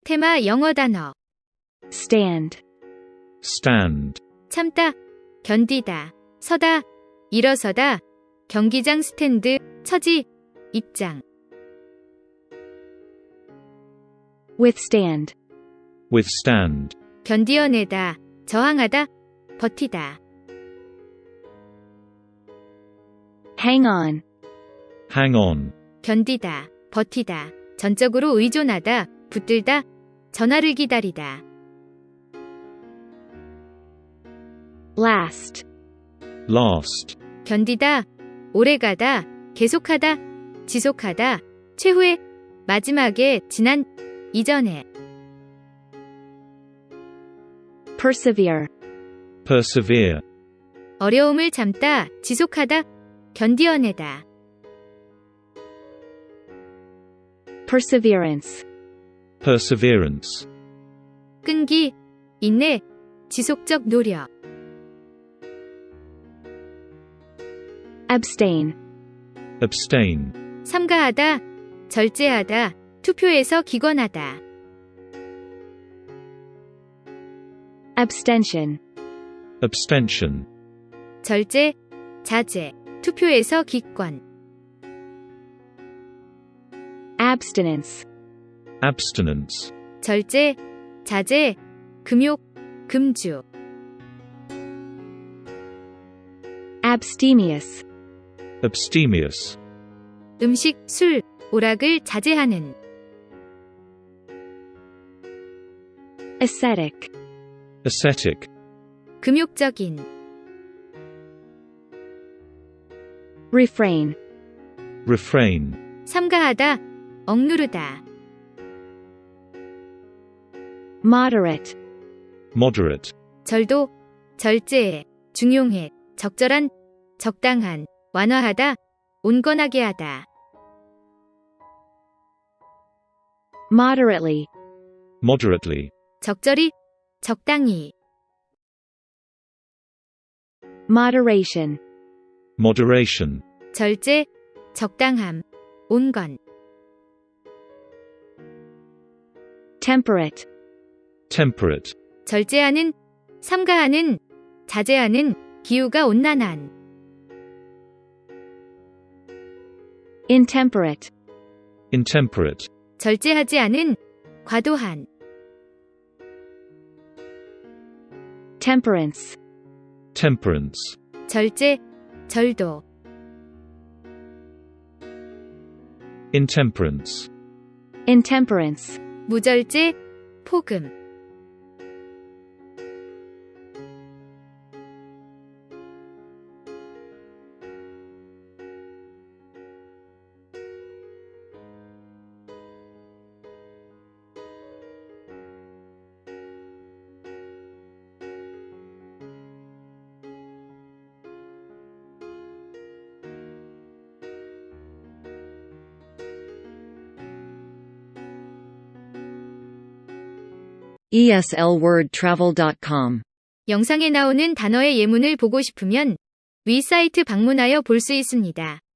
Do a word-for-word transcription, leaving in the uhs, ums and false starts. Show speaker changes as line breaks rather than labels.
테마 영어 단어.
stand,
stand,
참다, 견디다, 서다, 일어서다, 경기장 스탠드, 처지, 입장.
withstand,
withstand,
견디어내다, 저항하다, 버티다.
hang on,
hang on,
견디다, 버티다, 전적으로 의존하다, 붙들다, 전화를 기다리다.
last,
last,
견디다, 오래가다, 계속하다, 지속하다, 최후의, 마지막에, 지난, 이전에.
persevere,
persevere,
어려움을 참다, 지속하다, 견디어내다.
perseverance,
perseverance,
끈기, 인내, 지속적 노력.
abstain,
abstain,
삼가하다, 절제하다, 투표에서 기권하다.
abstention,
abstention,
절제, 자제, 투표에서 기권.
abstinence,
abstinence,
절제, 자제, 금욕, 금주.
abstemious,
abstemious,
음식, 술, 오락을 자제하는.
ascetic,
ascetic,
금욕적인.
refrain,
refrain,
삼가하다, 억누르다.
moderate,
moderate,
절도, 절제해, 중용해, 적절한, 적당한, 완화하다, 온건하게 하다.
moderately,
moderately,
적절히, 적당히.
moderation,
moderation,
절제, 적당함, 온건.
temperate,
temperate,
절제하는, 삼가하는, 자제하는, 기후가 온난한.
intemperate,
intemperate,
절제하지 않은, 과도한.
temperance,
temperance,
절제, 절도.
intemperance,
intemperance,
무절제, 폭음.
e s l word travel dot com
영상에 나오는 단어의 예문을 보고 싶으면 위 사이트 방문하여 볼 수 있습니다.